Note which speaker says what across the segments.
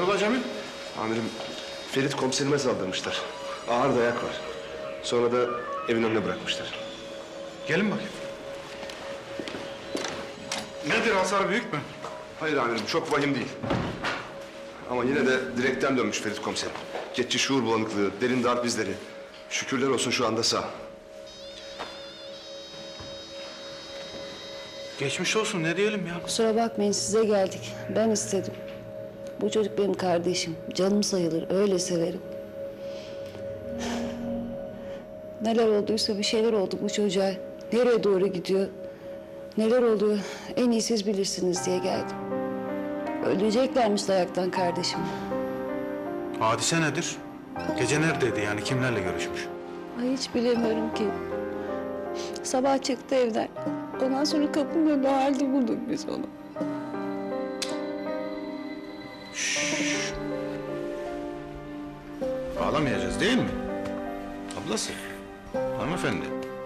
Speaker 1: Hayrola Cemil?
Speaker 2: Amirim, Ferit komiserime saldırmışlar. Ağır dayak var. Sonra da evin önüne bırakmışlar.
Speaker 1: Gelin bakayım. Nedir, hasar büyük mü?
Speaker 2: Hayır amirim, çok vahim değil. Ama yine de direkten dönmüş Ferit komiserim. Geçici şuur bulanıklığı, derin darp izleri. Şükürler olsun şu anda sağ.
Speaker 1: Geçmiş olsun, ne diyelim ya?
Speaker 3: Kusura bakmayın, size geldik. Ben istedim. Bu çocuk benim kardeşim. Canım sayılır, öyle severim. Neler olduysa bir şeyler oldu bu çocuğa. Nereye doğru gidiyor? Neler oluyor? En iyi siz bilirsiniz diye geldim. Öleceklermiş dayaktan kardeşim.
Speaker 1: Hadise nedir? Gece neredeydi yani, kimlerle görüşmüş?
Speaker 3: Ay hiç bilemiyorum ki. Sabah çıktı evden. Ondan sonra kapının önünde halde bulduk biz onu.
Speaker 1: Ağlamayacağız değil mi? Ablası, hanımefendi.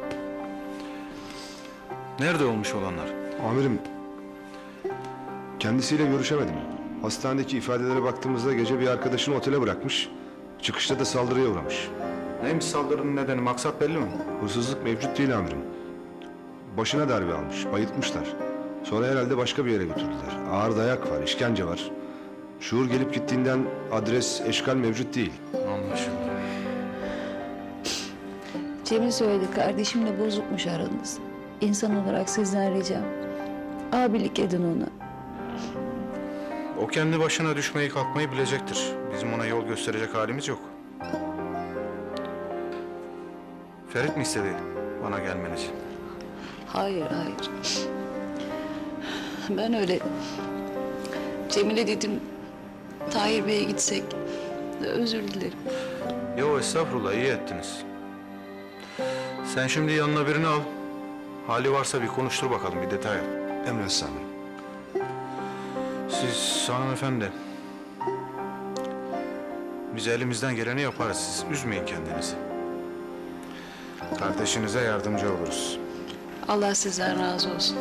Speaker 1: Nerede olmuş olanlar?
Speaker 2: Amirim, kendisiyle görüşemedim. Hastanedeki ifadelere baktığımızda gece bir arkadaşını otele bırakmış. Çıkışta da saldırıya uğramış.
Speaker 1: Neymiş saldırının nedeni, maksat belli mi?
Speaker 2: Hırsızlık mevcut değil amirim. Başına darbe almış, bayıltmışlar. Sonra herhalde başka bir yere götürdüler. Ağır dayak var, işkence var. Şuur gelip gittiğinden adres, eşkal mevcut değil.
Speaker 1: Anlaşıldı.
Speaker 3: Cemil söyledi, kardeşimle bozukmuş aranız. İnsan olarak sizden ricam. Abilik edin ona.
Speaker 1: O kendi başına düşmeyi kalkmayı bilecektir. Bizim ona yol gösterecek halimiz yok. Ferit mi istedi bana gelmenizi?
Speaker 3: Hayır, hayır. Ben öyle... Cemile dedim, Tahir Bey'e gitsek. Özür dilerim.
Speaker 1: Yo estağfurullah, iyi ettiniz. Sen şimdi yanına birini al. Hali varsa bir konuştur bakalım, bir detay al.
Speaker 2: Emredersiniz amirim.
Speaker 1: Siz hanımefendi... Biz elimizden geleni yaparız, siz üzmeyin kendinizi. Kardeşinize yardımcı oluruz.
Speaker 3: Allah sizden razı olsun.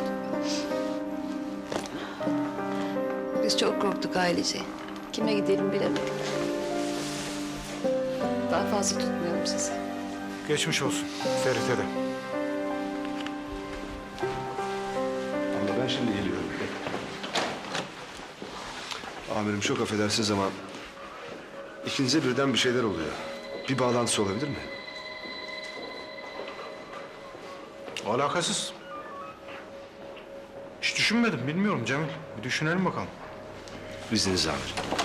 Speaker 3: Biz çok korktuk ailece. Kime gidelim bilemedik. Daha fazla tutmuyorum sizi.
Speaker 1: Geçmiş olsun Ferit'e de.
Speaker 2: Abla ben şimdi geliyorum. Amirim çok affedersiniz ama... ikinize birden bir şeyler oluyor. Bir bağlantısı olabilir mi?
Speaker 1: Alakasız. Hiç düşünmedim, bilmiyorum Cemil. Bir düşünelim bakalım.
Speaker 2: İzninizle amirim.